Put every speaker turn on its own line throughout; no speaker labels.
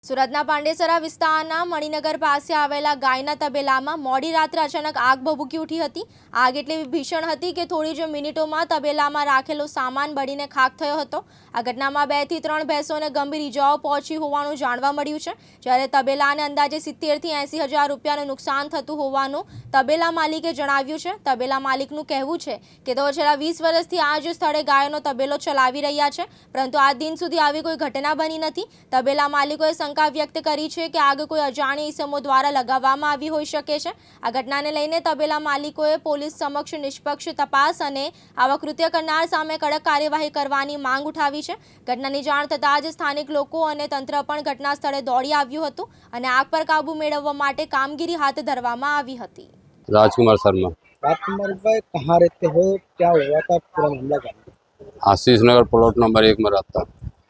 સુરતના પાંડેસરા વિસ્તારના મણિનગર પાસે આવેલા ગાયના તબેલામાં મોડી રાત્રે અચાનક આગ ભભૂકી ઉઠી હતી। આગ એટલી ભીષણ હતી કે થોડી જ મિનિટોમાં તબેલામાં રાખેલો સામાન બળીને ખાખ થયો હતો। આ ઘટનામાં 2 થી 3 ભેંસોને ગંભીર ઇજાઓ પહોંચી હોવાનું જાણવા મળ્યું છે, જ્યારે તબેલાને અંદાજે 70 થી 80 હજાર રૂપિયાનું નુકસાન થતું હોવાનું તબેલા માલિકે જણાવ્યું છે। તબેલા માલિકનું કહેવું છે કે તેઓ છેલ્લા 20 વર્ષથી આ જ સ્થળે ગાયોનો તબેલો ચલાવી રહ્યા છે, પરંતુ આજ દિન સુધી આવી કોઈ ઘટના બની નથી। તબેલા માલિકોએ શંકા વ્યક્ત કરી છે કે આગ કોઈ અજાણી ઇસમો દ્વારા લગાવવામાં આવી હોઈ શકે છે। આ ઘટનાને લઈને તબેલા માલિકોએ પોલીસ સમક્ષ નિષ્પક્ષ તપાસ અને આવા કૃત્ય કરનાર સામે કડક કાર્યવાહી કરવાની માંગ ઉઠાવી છે। ઘટનાની જાણ થતાં જ સ્થાનિક લોકો અને તંત્ર પણ ઘટના સ્થળે દોડી આવ્યું હતું અને આગ પર કાબુ મેળવવા માટે કામગીરી હાથ ધરવામાં આવી હતી।
राजकुमार शर्मा।
राजकुमार भाई कहाँ रहते हो, क्या हुआ था, पूरा मामला क्या है?
आशीष नगर प्लॉट नंबर 1 में रहता।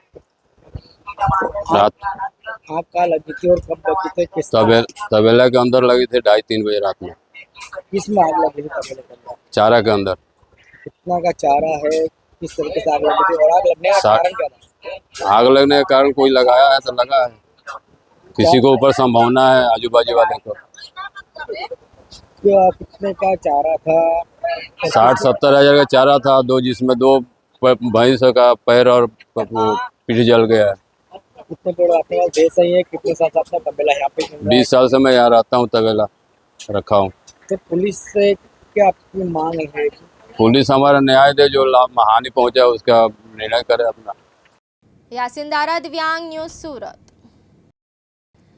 रात
आग कहाँ लगी थी और कब लगी थी, किस
तबेला के अंदर लगी थी 2:30-3 बजे रात में।
किस में आग लगी थी तबेले के अंदर?
चारा के अंदर।
कितना का चारा है, किस तरीके से आग लगी थी और आग लगने का कारण क्या था?
आग लगने के कारण कोई लगाया है तो लगा है, किसी को ऊपर संभावना है आजू बाजू वाले को।
कितने का चारा था?
60-70 हजार का चारा था, जिसमें 2 भैंस का पैर और पीठ जल गया है।
कितने बड़े आपके पास भैंस है, कितने साल से अपना तबेला यहाँ पे चल रहा है?
20 साल से मैं यहाँ रहता हूँ, तबेला रखा हूँ।
तो पुलिस से क्या आपकी मांग है?
पुलिस हमारा न्याय दे, जो हानि पहुँचा उसका निर्णय करे अपना।
यासिन दारा, दिव्यांग न्यूज़, सूरत।